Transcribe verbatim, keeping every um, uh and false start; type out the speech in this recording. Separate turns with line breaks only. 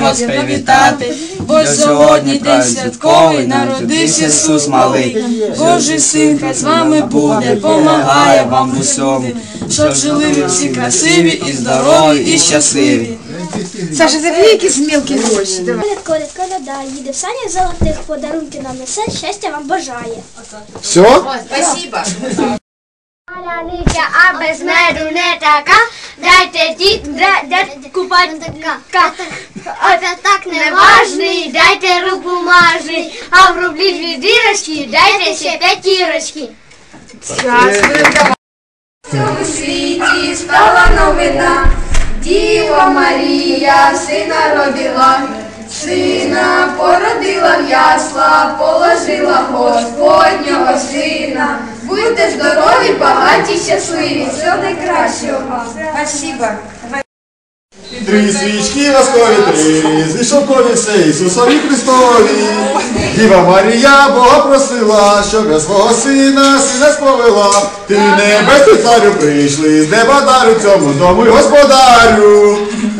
вас привітати, бо сьогодні день святковий, народився Ісус малий. Божий син, хай з вами буде, помагає вам в усьому, щоб жили ви всі красиві і здорові і щасливі.
Саша, забери якісь мілкі гроші.
Коляд, коляд, коляда, їде в санях золотих, подарунки нам несе, щастя вам бажає.
Все?
Спасибо.
Паляниця, а без меду не така, дайте ті, дайте купатка. А так не важний, дайте руку мажний, а в рублі дві дірочки, дайте ще п'ятірочки.
В цьому світі стала новина, Діва Марія сина родила, сина породила в ясла, положила Господнього сина. Будьте здорові, багаті, щасливі, всього найкращого вам.
Спасибо.
Три свічки воскові три, зійшов конець Ісусові Христові. Діва Марія Бога просила, щоб я свого сина, сина сповела. Ти небесний царю прийшли, з неба дару цьому дому й господарю.